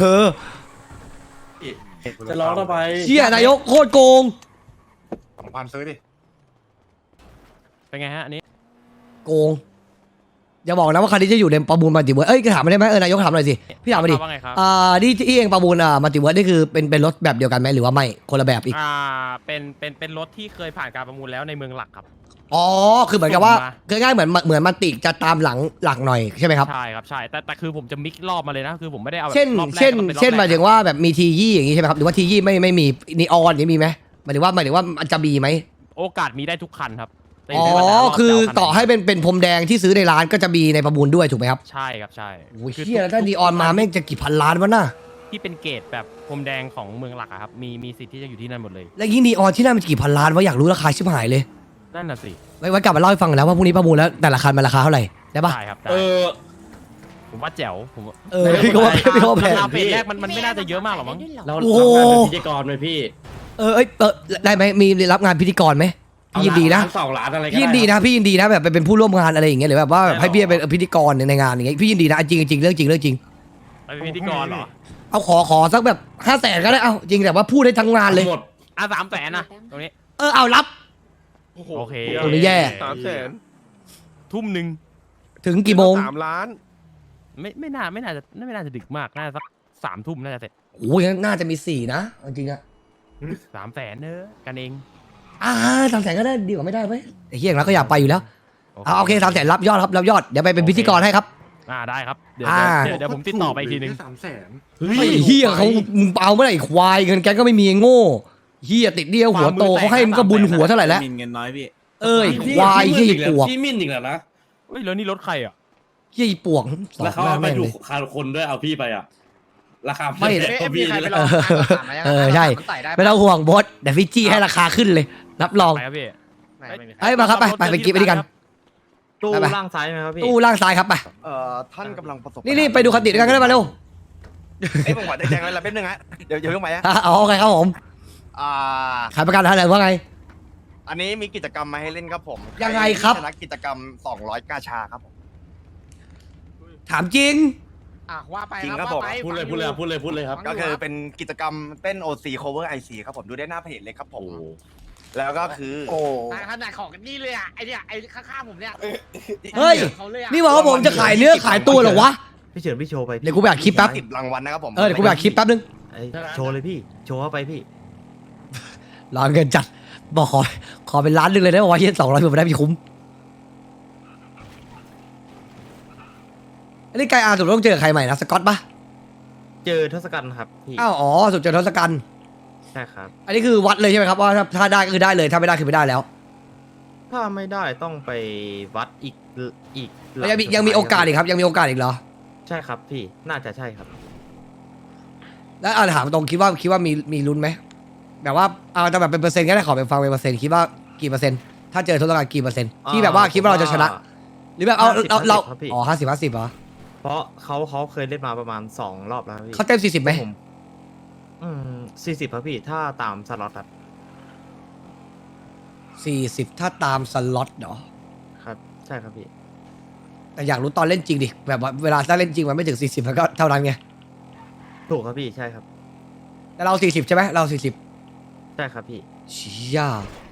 [SPEAKER 8] จะร้องทำไม
[SPEAKER 1] เชี่ยนายกโคตรโกง
[SPEAKER 10] 2,000ซื้อดิ
[SPEAKER 6] เป็นไงฮะอันนี้
[SPEAKER 1] โกงอย่าบอกนะว่าคันนี้จะอยู่ในประมูลมัลติเวิร์สถามมาได้ไหมนายกถามหน่อยสิพี่ถามมาดิ
[SPEAKER 6] ว่าไงครับ
[SPEAKER 1] ที่เองประมูลมัลติเวิร์สนี่คือเป็นรถแบบเดียวกันไหมหรือว่าไม่คนละแบบอีก
[SPEAKER 6] เป็นรถที่เคยผ่านการประมูลแล้วในเมืองหลักครับ
[SPEAKER 1] อ๋อคือเหมือนกับว่า
[SPEAKER 6] ส่งมา
[SPEAKER 1] คือง่ายเหมือนมันติจะตามหลังหน่อยใช่ไหมครับ
[SPEAKER 6] ใช่ครับใช่แต่คือผมจะมิกซ์รอบมาเลยนะคือผมไม่ได้เอาแบบ
[SPEAKER 1] เช่น
[SPEAKER 6] รอบแรก
[SPEAKER 1] เช่น
[SPEAKER 6] แล้วก็ป็รอบ
[SPEAKER 1] เช่นห
[SPEAKER 6] แร
[SPEAKER 1] มาย
[SPEAKER 6] ก
[SPEAKER 1] ถึงว่าแบบมีทียี่อย่างนี้ใช่ไหมครับหรือว่าทียี่ไม่มีนีออนนี่มีไหมหมายถึงว่ามันจะมีไหม
[SPEAKER 6] โอกาสมีได้ทุกคันครับแต่
[SPEAKER 1] อ๋อ
[SPEAKER 6] ยู่ที่ว่าแต่ละรบ
[SPEAKER 1] คือ
[SPEAKER 6] จะเาคัน
[SPEAKER 1] ต่อให้เป็นพรมแดงที่ซื้อในร้านก็จะมีในประมูลด้วยถูกไหมครับ
[SPEAKER 6] ใช่ครับใช่
[SPEAKER 1] โอ้ย
[SPEAKER 6] คือ
[SPEAKER 1] เชี่ยแล้วถ้านีออนมาแม่งจะกี่พันล้านวะน่ะ
[SPEAKER 6] ที่เป็นเกรดแบบพรมแดงของเมืองหลักอะครับมีสิทธิ์ที่จะอยู่ที่นั่นหมดเลย
[SPEAKER 1] แล้วยิ่งนีออนที่นั่นมันกี่พันล้านวะอยากรู้ราคาชิบหายเลย
[SPEAKER 6] นั่นน่ะสิ
[SPEAKER 1] ไว้กลับมาเล่าให้ฟังแล้วว่าพรุ่งนี้ประมูลแล้วแต่ละคันมันราคาเท่าไหร่ได้ปะ
[SPEAKER 6] ได้ครับได้ ผมว่าแจ๋วผมว่า
[SPEAKER 1] พี่ก็ว่าแพง
[SPEAKER 6] ราคาเฟสแรกมันไม่น่าจะเยอะมากหรอกมั้ง
[SPEAKER 8] เรา
[SPEAKER 1] โอ้โห
[SPEAKER 8] ทำงานเป็นพิธีกรไหมพี่
[SPEAKER 1] ได้ไหมมีรับงานพิธีกรไหมพี่ยินดีนะ
[SPEAKER 8] เอาล้า2 ล้านอะไรก็
[SPEAKER 1] พี่ยินดี
[SPEAKER 8] ได้
[SPEAKER 1] นะพี่ยินดีนะแบบไปเป็นผู้ร่วมงานอะไรอย่างเงี้ยหรือแบบว่าแบบให้พี่เป็นพิธีกรในงานอย่างเงี้ยพี่ยินดีนะจริงเรื่องจริง
[SPEAKER 6] ไปเป็นพิธีกรเหรอ
[SPEAKER 1] เอาขอสักแบบ500,000ก็ได้เอาจริงแต่ว่าพูดได้ทั้งงานเลย
[SPEAKER 8] หมด
[SPEAKER 6] 300,000นะตรงนี้
[SPEAKER 1] เอารับ
[SPEAKER 6] โอเค
[SPEAKER 1] โอ้ยแย่
[SPEAKER 4] 300,000
[SPEAKER 6] ทุ่มหนึ่ง
[SPEAKER 1] ถึงกี่โมง
[SPEAKER 4] 3 ล้าน
[SPEAKER 6] ไม่น่าจะดึกมากน่าจะสัก3 ทุ่มน่าจะเสร็จ
[SPEAKER 1] โอ้ยน่าจะมี4นะเอาจริงอะ
[SPEAKER 6] 300,000เนอะกันเอง
[SPEAKER 1] 300,000ก็ได้ดีกว่าไม่ได้ไหมไอ้เฮียอย่างนั้นก็อยากไปอยู่แล้ว โอเค300,000รับยอดครับรับยอดเดี๋ยวไปเป็นพิธีกรให้ครับ
[SPEAKER 6] ได้ครับเดี๋ยว
[SPEAKER 1] อ่า
[SPEAKER 6] เดี๋ยวผมติดต่อไปอีกทีนึง
[SPEAKER 8] เฮ้
[SPEAKER 1] ไอ้
[SPEAKER 8] ย
[SPEAKER 1] เฮียเขามึงเอาเมื่อไหร่ควายเงินแกก็ไม่มีไอ้โง่เฮียติดเดียวหัวโตเขาให้มึงก็บุญหัวเท่าไหร่แล้ว
[SPEAKER 5] มินเงินน้อยพี่
[SPEAKER 1] เอ้ยควายเฮียปวก
[SPEAKER 8] พี่มิ่นอีกแล้วนะ
[SPEAKER 6] เฮ้ยแล้วนี่รถใครอ่ะ
[SPEAKER 1] เฮียปวกสอ
[SPEAKER 8] แล้ว
[SPEAKER 1] ง
[SPEAKER 8] เขา
[SPEAKER 1] หน้า
[SPEAKER 8] เอาไป
[SPEAKER 1] แม่ง
[SPEAKER 8] ดู
[SPEAKER 1] เลย
[SPEAKER 8] คาคนด้วยเอาพี่ไปอ่ะราคา
[SPEAKER 1] ไม่
[SPEAKER 8] แพงกว่าพี่เลย
[SPEAKER 1] ใช่ไม่ต้องห่วงบอสเดี๋ยวพี่จี้ให้ราคาขึ้นเลยรับรอง
[SPEAKER 6] ไปครับพี่
[SPEAKER 1] เฮ้ยมาครับไปไปกินไปด้วยกัน
[SPEAKER 11] ตู้
[SPEAKER 1] ไป
[SPEAKER 11] ล่างซ้ายไหมครับพี่
[SPEAKER 1] ตู้ล่างซ้ายครับไป
[SPEAKER 10] ท่านกำลังประสบ
[SPEAKER 1] นี่ไปดูคันติดด้วยกันก็ได้มาเร็ว
[SPEAKER 10] เอ้ยผมขอแจ้งไว้ละแป๊บนึงฮะเดี๋ยวเพิ่งไปฮะ
[SPEAKER 1] โอเคครับผมขายประกันอะไรว่าไง
[SPEAKER 7] อันนี้มีกิจกรรมมาให้เล่นครับผม
[SPEAKER 1] ยังไงครับ
[SPEAKER 7] ชนะกิจกรรม200กาชาครับผม
[SPEAKER 1] ถามจริง
[SPEAKER 6] อ่ะว่าไป
[SPEAKER 7] จริงครับผม
[SPEAKER 6] ว่าไป
[SPEAKER 8] พูดเลย
[SPEAKER 6] ฟัง
[SPEAKER 8] พูดเลย
[SPEAKER 6] อ
[SPEAKER 8] พูดเลยพูดเลยครับ
[SPEAKER 7] ก็คือเป็นกิจกรรมเต้น OC cover IC ครับผมดูได้หน้าเพจเลยครับผม แล้วก็คือ
[SPEAKER 6] ขนาดของกันนี่เลยอ่ะไอเนี่ยไอข้างๆผมเนี่ย
[SPEAKER 1] เฮ้ย
[SPEAKER 6] เขาเลยอ่ะ
[SPEAKER 1] นี่บอกว่าผมจะขายเนื้อขายตัวเหรอวะ
[SPEAKER 11] พี่เฉินพี่โชว์ไป
[SPEAKER 1] เดี๋ยวกูไปอัดคลิปแป๊บ
[SPEAKER 7] 10รางวัลนะครับผม
[SPEAKER 1] เดี๋ยวกูไปอัดคลิปแป๊บนึง
[SPEAKER 11] โชว์เลยพี่ โชว์เข้าไปพี่
[SPEAKER 1] รอเงินจัด บอกขอเป็นล้านหนึงเลยได้บอกว่าเฮีย200ผมไม่ได้พี่คุ้ม อันนี้ไกอาร์สุดต้องเจอใครใหม่นะสกอตปะ
[SPEAKER 11] เจอทศกัณฐ์ครับพี่
[SPEAKER 1] อ้าวอ๋อสุดเจอทศกัณฐ์
[SPEAKER 11] ใช่ครับ
[SPEAKER 1] อันนี้คือวัดเลยใช่ไหมครับว่าถ้าได้ก็คือได้เลยถ้าไม่ได้คือไม่ได้แล้ว
[SPEAKER 11] ถ้าไม่ได้ต้องไปวัดอีกหลั
[SPEAKER 1] ยังมีโอกาสอีกครับยังมีโอกาสอีกเหรอ
[SPEAKER 11] ใช่ครับพี่ น่าจะใช่ครับ
[SPEAKER 1] แล้วถามตรงคิดว่ามีลุ้นไหมแบบว่าเอาแต่แบบเป็นเปอร์เซ็นต์ก็ได้ขอเป็นฟังเป็นเปอร์เซ็นต์คิดว่ากี่เปอร์เซ็นต์ถ้าเจอทศกัณฐ์กี่เปอร์เซ็นต์ที่แบบว่าคิดว่าเราจะชนะ หรือแบบเอาเรา
[SPEAKER 11] ครับพี่
[SPEAKER 1] อ๋อ50-50เหรอ
[SPEAKER 11] เพราะเขาเคยเล่นมาประมาณ2 รอบแล้วพี่
[SPEAKER 1] เขาเต็ม40ไหม
[SPEAKER 11] ผม40ครับพี่ถ้าตามสล็อตครับ
[SPEAKER 1] 40ถ้าตามสล็อตเหรอ
[SPEAKER 11] ครับ ใช่ครับพี่
[SPEAKER 1] แต่อยากรู้ตอนเล่นจริงดิแบบว่าเวลาถ้าเล่นจริงมันไม่ถึง40มันก็เท่านั้นไง
[SPEAKER 11] ถูกครับพี่ใช่ครับ
[SPEAKER 1] แต่เรา40ใช่ไหมเรา40
[SPEAKER 11] ใช่ครับพี่
[SPEAKER 1] เชี่ย